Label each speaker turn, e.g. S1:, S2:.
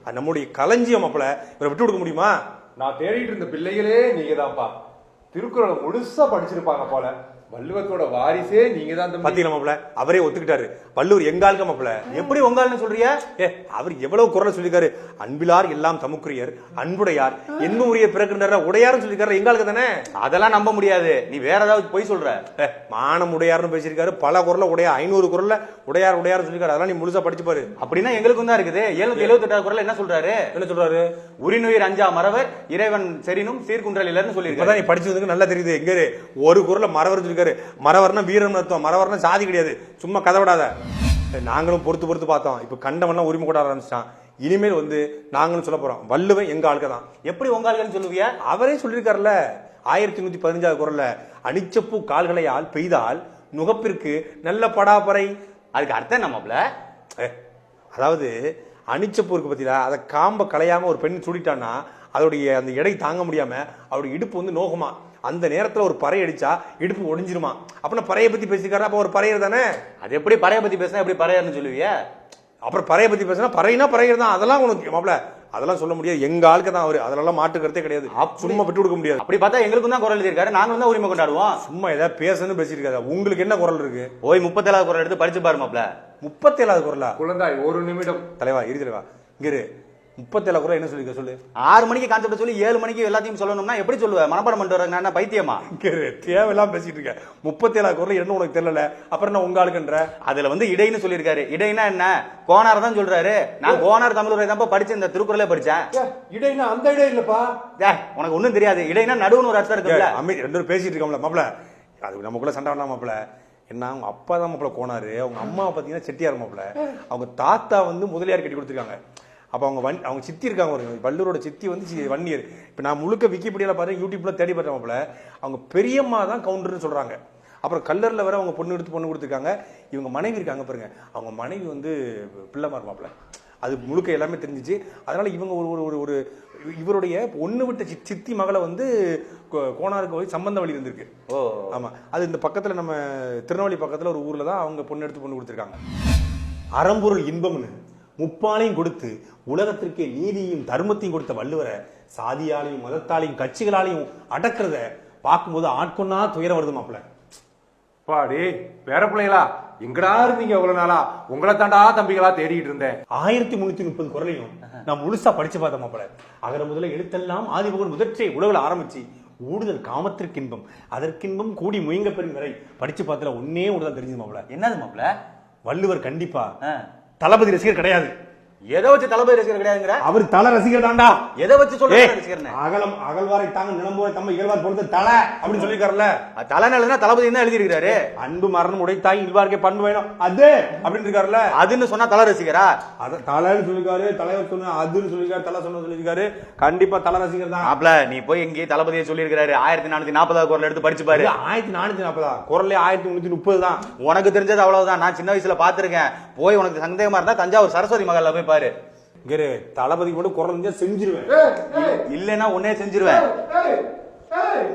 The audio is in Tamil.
S1: நம்முடைய களஞ்சியம் மாப்பிள, இவரை விட்டு கொடுக்க முடியுமா?
S2: நான் தேடிட்டு இருந்த பிள்ளைகளே நீங்க தான்ப்பா. திருக்குறளை முழுசா படிச்சிருப்பாங்க போல. வள்ளுவத்தோட வாரிசே நீங்க தான்.
S1: பாத்தீங்களா மாப்பிள, அவரே ஒத்துக்கிட்டாரு. வள்ளுவர் எங்காலுக்கு மாப்பிள.
S3: எப்படி உங்கால்னு சொல்றியா?
S1: அவர் எவ்வளவு குரல் சொல்லிருக்காரு. அன்பிலார் எல்லாம் தமுக்குரியர், அன்புடையார் என்ன உரிய பிறக்கின்ற உடையாருன்னு சொல்லிருக்காரு. எங்காலுக்கு தானே.
S3: அதெல்லாம் நம்ப முடியாது, நீ வேற ஏதாவது போய் சொல்ற.
S1: மானம் உடையார்னு பேசியிருக்காரு. பல குரல்ல உடையார், 500 குரல்ல உடையார் உடையார் சொல்லிருக்காரு. அதெல்லாம் நீ முழுசா படிச்சு பாரு.
S3: அப்படின்னா எங்களுக்கும் தான் இருக்குது. 778 குரல் என்ன சொல்றாரு?
S1: என்ன சொல்றாரு?
S3: உரிநுயிர் அஞ்சா மறவர் இறைவன் செரினும் சீர்குன்றல் இல்லன்னு சொல்லிருக்காரு.
S1: நீ படிச்சதுக்கு நல்லா தெரியுது. எங்க ஒரு குரல்ல மறவர் சொல்லிருக்காரு. மறவர்னா வீரன் அர்த்தம். மறவர்னா சாதி கிடையாது. சும்மா கதை விடாத. நாங்களும் பொறுத்து பார்த்தோம். இப்ப கண்டவன்லாம் உரிமை கொண்டாட ஆரம்பிச்சிட்டான். இனிமேல் நாங்களும் சொல்ல போறோம், வள்ளுவன் எங்க ஆளுக்கு தான்.
S3: எப்படி உங்க ஆளுன்னு சொல்லுவியா?
S1: அவரே சொல்லிருக்காருல்ல 1115 குரல்ல, அனிச்சப்பூ கால்களையால் பெய்தால் நுகப்பிற்கு நல்ல படாப்பறை.
S3: அதுக்கு அர்த்தம் நம்மள,
S1: அதாவது அனிச்சப்பூ இருக்கு பத்தியா, அதை காம்ப களையாம ஒரு பெண் சுடிட்டான்னா அதோடைய அந்த எடை தாங்க முடியாம அவருடைய இடுப்பு நோகுமா. அந்த நேரத்துல ஒரு பறை அடிச்சா இடுப்பு ஒடிஞ்சிருமா. அப்ப பறையை பத்தி பேசிக்காரு. அப்ப ஒரு பறையர் தானே.
S3: அது எப்படி பறைய பத்தி பேசினா எப்படி பறையர்னு சொல்லுவிய?
S1: அப்புறம் பறையை பத்தி பேசினா பறையினா பறையர் தான். அதெல்லாம் உனக்கு மாப்ள அதெல்லாம் சொல்ல முடியாது. எங்க ஆளுக்கு தான் அவரு. அதெல்லாம் மாட்டு கருத்தே கிடையாது. சும்மா விட்டு கொடுக்க முடியாது.
S3: அப்படி பார்த்தா எங்களுக்கும் தான் குரல் எழுதியிருக்காரு. நாங்களும் தான் உரிமை கொண்டாடுவோம்.
S1: சும்மா ஏதாவது பேசணும்னு பேசிருக்காரு. உங்களுக்கு என்ன குரல் இருக்கு?
S3: போய் 37வது குரல் எடுத்து படிச்சு பாரு மாப்ள.
S1: 37வது குரலா?
S2: குழந்தாய் ஒரு நிமிடம்.
S1: தலைவா இரு தலைவா, இங்க 37 குரல் என்ன சொல்லிருக்க சொல்லு.
S3: 6 மணிக்கு கான்செப்ட் சொல்லி 7 மணிக்கு எல்லாத்தையும் சொல்லணும்னா எப்படி சொல்லுவ? மனப்பாடம் பண்ணிட்டு வர நான் பைத்தியமா?
S1: தேவையெல்லாம் பேசிட்டு இருக்க. 37 குரல் என்ன உனக்கு தெரியல. அப்புறம் என்ன உங்க ஆளுக்குன்ற?
S3: அதுல இடைன்னு சொல்லியிருக்காரு. இடைனா என்ன? கோனார் தான் சொல்றாரு. நான் கோனார் தமிழுரை தான் படிச்சு இந்த திருக்குறளே படிச்சேன்.
S2: இடைனா அந்த இடை இல்லப்பா.
S3: உனக்கு ஒண்ணும் தெரியாது. இடைனா நடுவுன்னு ஒரு அர்த்தம் இருக்குல்ல.
S1: அமைதி, ரெண்டு பேரும் பேசிட்டு இருக்கோம்ல மாப்ள. அது நமக்குள்ள சண்டை வேண்டாம் மாப்ள. என்ன அவங்க அப்பா தான் மாப்ள கோனாரு. அவங்க அம்மா பாத்தீங்கன்னா செட்டியார் மாப்ள. அவங்க தாத்தா முதலியார் கட்டி கொடுத்துருக்காங்க. அப்ப அவங்க சித்தி இருக்காங்க. ஒரு வள்ளுவரோட சித்தி வன்னியர். இப்ப நான் முழுக்க விக்கிபீடியால பாத்தேன், யூடியூப்ல தேடி பார்த்தேன் மாப்ள. அவங்க பெரியம்மா தான் கவுண்டர்னு சொல்றாங்க. அப்புறம் கல்லர்ல வர அவங்க பொண்ணு கொடுத்துருக்காங்க. இவங்க மனைவி இருக்காங்க பாருங்க, அவங்க மனைவி பிள்ளைமார் மாப்ள. அது முழுக்க எல்லாமே தெரிஞ்சிச்சு. அதனால இவங்க ஒரு இவருடைய ஒண்ணு விட்ட சித்தி மகளை கோனாருக்கு போய் சம்பந்த வழி இருந்திருக்கு. ஆமா, அது இந்த பக்கத்துல நம்ம திருநெல்வேலி பக்கத்துல ஒரு ஊர்ல தான் அவங்க பொண்ணு கொடுத்துருக்காங்க. அறம்பொருள் இன்பம்னு முப்பாலையும் கொடுத்து உலகத்திற்கே நீதியும் தர்மத்தையும் கொடுத்த வள்ளுவரை சாதியாலையும் மதத்தாலையும் கட்சிகளாலையும் அடக்கிறத பார்க்கும்போது ஆட்கொன்னா துயரம் வருது மாப்ள.
S2: பாடி வேற பிள்ளைகளா எங்கடா இருந்தீங்க இவ்வளவு நாளா? உங்களை தாண்டா தம்பிகளா தேடிட்டு இருந்தேன்.
S1: 1330 குரலையும் நான் முழுசா படிச்சு பார்த்தேன் மாப்ள. அகர முதல எழுத்தெல்லாம் ஆதிபகன் முதற்றை உலகில் ஆரம்பிச்சு ஊடுதல் காமத்திற்கு இன்பம் அதற்கின்பம் கூடி முயங்க பெறும் வரை படிச்சு பார்த்தல ஒன்னே ஒண்ணுதான் தெரிஞ்சது மாப்ள.
S3: என்னது மாப்ள?
S1: வள்ளுவர் கண்டிப்பா தளபதி ரசிகர் கிடையாது.
S3: எதை வச்சு தளபதி ரசிகர் கிடையாதுங்கிற?
S1: அவர் தல ரசிகர் தாண்டா.
S3: எதை வச்சு சொல்ற ரசிகர்?
S1: அகழ்வாரை தாங்க நிலம்போய் தம்ம இயல்பார் பொறுத்து தலை அப்படின்னு சொல்லிருக்காருல்ல.
S3: தலைநலனா தளபதி தான் எழுதி இருக்காரு.
S1: அன்பு மரணம் உடைத்தாய் இல்வார்க்கே பண்பு வேணும் அது அப்படின்னு இருக்காருல்ல.
S3: அதுன்னு சொன்னா தல ரசிகரா?
S1: அத தலைன்னு சொல்லிருக்காரு. தலைவர் சொன்ன அதுன்னு சொல்லிருக்காரு. தலை சொன்ன சொல்லிருக்காரு. கண்டிப்பா தல ரசிகர் தான்.
S3: அப்பல நீ போய் எங்கே தளபதியை சொல்லியிருக்காரு. 1440 குரல் எடுத்து படிச்சு பாரு.
S1: 1440 குரல்ல 1330 தான்.
S3: உனக்கு தெரிஞ்சது அவ்வளவுதான். நான் சின்ன வயசுல பாத்துருக்கேன். போய் உனக்கு சந்தேகமா இருந்தா தஞ்சாவூர் சரஸ்வதி மகால்ல போய் பாரு.
S1: தளபதி மட்டும் குரல் செஞ்சிருவேன்.
S3: இல்லைன்னா உன்னே செஞ்சிருவேன்.